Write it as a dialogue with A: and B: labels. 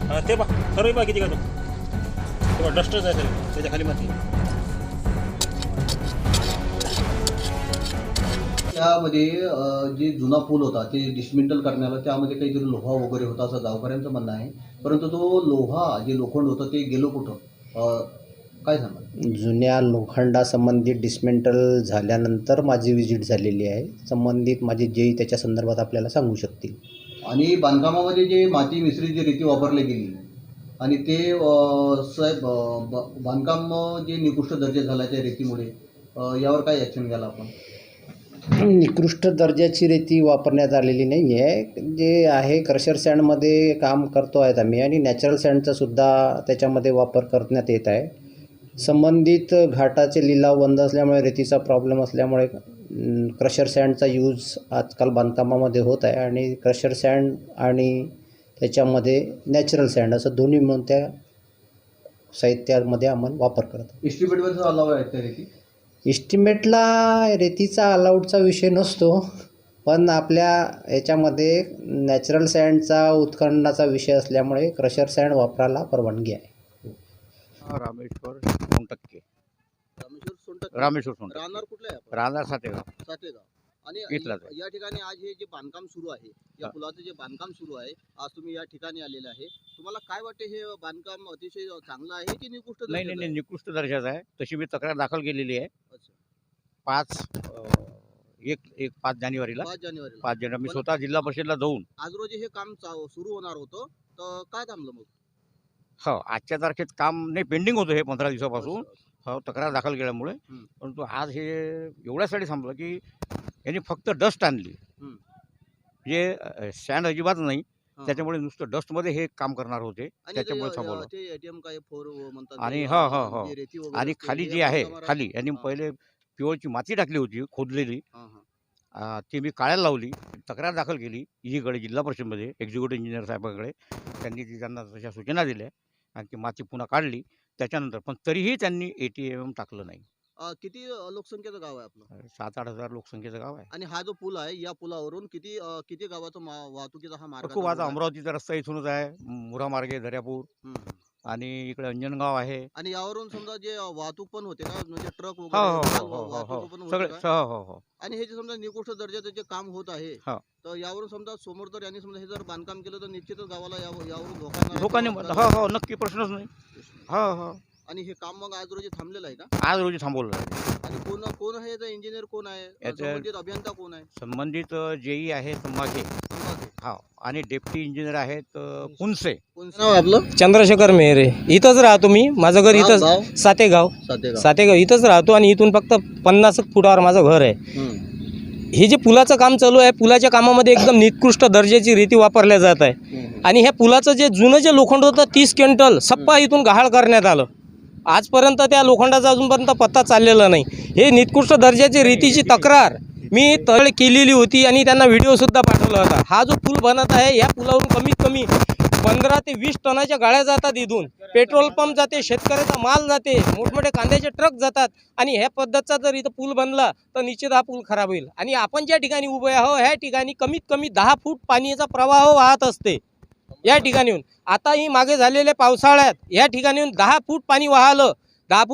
A: ते बा सर्व बा किती का तो तेव्हा डस्टच आहे त्याच्या खाली माती.
B: त्यामध्ये जे जुना पूल होता ते डिसमेंटल करण्याला त्यामध्ये काहीतरी लोहा वगैरे होता असं गावकऱ्यांचं म्हणणं आहे. परंतु तो लोहा जे लोखंड होतं ते गेलो कुठं, काय सांगा?
C: जुन्या लोखंडासंबंधित डिस्मेंटल झाल्यानंतर माझी विजिट झालेली आहे. संबंधित माझे जे त्याच्या संदर्भात आपल्याला सांगू शकतील.
B: आणि बांधकामामध्ये जे माती मिश्रित जी रीती वापरली गेली आणि ते साहेब बांधकाम जे निकृष्ट दर्जा झाला त्या रीतीमुळे यावर काय ॲक्शन घ्यायला आपण?
C: निकृष्ट दर्जाची रेती वापरण्यात आलेली नाही आहे. जे आहे क्रशर सँडमध्ये काम करतो आहेत आम्ही आणि नॅचरल सँडचासुद्धा त्याच्यामध्ये वापर करण्यात येत आहे. संबंधित घाटाचे लिलाव बंद असल्यामुळे रेतीचा प्रॉब्लेम असल्यामुळे क्रशर सँडचा यूज आजकाल बांधकामामध्ये होत आहे आणि क्रशर सँड आणि त्याच्यामध्ये नॅचरल सँड असं दोन्ही मिळून त्या साहित्यामध्ये आम्हाला वापर करतो.
B: एस्टिमेटवरचा अलाव आहे त्या रीती?
C: इस्टिमेटला रेतीचा अलाउडचा विषय नसतो, पण आपल्या याच्यामध्ये नॅचरल सँडचा उत्खननाचा विषय असल्यामुळे क्रशर सँड वापरायला परवानगी आहे.
D: रामेश्वर सोनटक्के.
B: रामेश्वर सोनटक्के.
D: रामेश्वर सोनटक्के.
B: राहणार कुठलं आहे आपण?
D: राहणार सातेगाव.
B: सातेगाव. आणि
D: इथलाच आहे.
B: या ठिकाणी आज हे जे बांधकाम सुरू आहे, या पुलाचं जे बांधकाम सुरू आहे, आज तुम्ही या ठिकाणी आलेले आहे. तुम्हाला काय वाटते, हे बांधकाम अतिशय चांगलं आहे की निकृष्ट
D: नाही
B: दर्जाचं
D: नाही
B: आहे?
D: नाही, निकृष्ट दर्जाचा आहे. तशी मी तक्रार दाखल केलेली आहे.
B: अच्छा.
D: 5 जानेवारीला.
B: 5 जानेवारीला.
D: 5 जानेवारी मी
B: पण
D: स्वतः जिल्हा परिषदला जाऊन
B: आज रोजी हे काम सुरू होणार होतं, तर काय थांबलं मग?
D: हो आजच्या तारखेत काम नाही, पेंडिंग होतं हे 15 दिवसापासून.
B: असं.
D: हो तक्रार दाखल केल्यामुळे.
B: हं.
D: परंतु आज हे एवढ्यासाठी थांबलं की यांनी फक्त डस्ट आणली.
B: हं.
D: जे सँड अजिबात नाही,
B: हां.
D: त्याच्यामुळे नुसतं डस्टमध्ये हे काम करणार होते,
B: आणि
D: त्याच्यामुळे थांबवलं.
B: ते एटीएम काय फोर म्हणतात
D: आणि
B: ते,
D: हो, हो, हो.
B: जे रेती वगैरे
D: आणि
B: असते,
D: खाली
B: हे
D: जी आहे
B: बांधकामावर
D: खाली यांनी
B: हां.
D: पहिले पिवळची माती टाकली होती खोदलेली.
B: हां, हां.
D: ती मी काढायला लावली. तक्रार दाखल केली ईकडे जिल्हा परिषदमध्ये एक्झिक्युटिव्ह इंजिनियर साहेबांकडे. त्यांनी त्यांना तशा सूचना दिल्या आणि ती माती पुन्हा काढली त्याच्यानंतर. पण तरीही त्यांनी ATM टाकलं नाही.
B: किती लोकसंख्येचं गाव आहे आपलं?
D: 7-8 हजार लोकसंख्येचं गाव आहे.
B: आणि हा जो पूल आहे, या पुलावरून किती किती गावाचा वाहतुकीचा हा मार्ग
D: खूप
B: आता
D: आता
B: रोड आहे?
D: अमरावतीचा रस्ता इथूनच आहे, मुरा मार्गे दर्यापूर
B: हं.
D: आणि इकडे अंजनगाव आहे.
B: आणि यावरून समजा जे वाहतूक पण होते का, म्हणजे ट्रक
D: हो
B: वगैरे
D: हो
B: माल
D: हो हो हो
B: वाहतूक पण होते
D: सगळे
B: का?
D: हो हो हो.
B: आणि हे जे समजा निकृष्ट दर्जाचं जे काम होत आहे,
D: हो.
B: तर यावरून समजा समोर जर यांनी समजा हे जर बांधकाम केलं तर निश्चितच गावाला यावरून धोका येणार आहे
D: धोकाने
B: किंवा
D: हो हो नक्की प्रश्नच नाही. हो हो
B: आणि हे काम मग आज रोजी थांबलेलं आहे का?
D: आज रोजी थांबवलं आहे.
B: आणि कोण आहे याचा इंजिनियर, कोण आहे
D: याचं-
B: संबंधित अभियंता, कोण आहे?
D: संबंधित JE आहे संभागे. हो आणि डेप्टी इंजिनियर आहेत पुनसे.
B: कोणचं नाव आहे आपलं?
E: चंद्रशेखर मेहरे. इथंच राहतो मी. माझं घर
B: गाव-
E: इथंच
B: गाव?
E: सातेगाव.
B: सातेगाव.
E: सातेगाव इथंच राहतो आणि इथून फक्त 50 फुटावर माझं घर आहे.
B: हं.
E: हे जे पुलाचं काम चालू आहे, पुलाच्या कामामध्ये एकदम निकृष्ट दर्जाची रीती वापरल्या जात आहे.
B: हं.
E: आणि ह्या पुलाचं जे जुनं जे लोखंड होतं 30 क्विंटल सप्पा इथून गहाळ करण्यात आलं. आजपर्यंत त्या लोखंडाचा अजूनपर्यंत पत्ता चाललेला नाही. हे निकृष्ट दर्जाची रीतीची तक्रार मी तळ केलेली होती आणि त्यांना व्हिडिओसुद्धा पाठवला होता. हा जो पूल बनत आहे, या पुलावरून कमीत कमी 15 ते 20 टनाच्या गाड्या जातात. इथून पेट्रोल पंप जाते, शेतकऱ्याचा माल जाते, मोठमोठे कांद्याचे ट्रक जातात. आणि ह्या पद्धतीचा जर इथं पूल बनला तर निश्चित हा पूल खराब होईल. आणि आपण ज्या ठिकाणी उभे आहोत ह्या ठिकाणी कमीत कमी 10 फूट पाण्याचा प्रवाह वाहत असते या ठिकाणीहून. आताही मागे झालेल्या पावसाळ्यात या ठिकाणीहून 10 फूट पाणी वाहलं. 10 फूट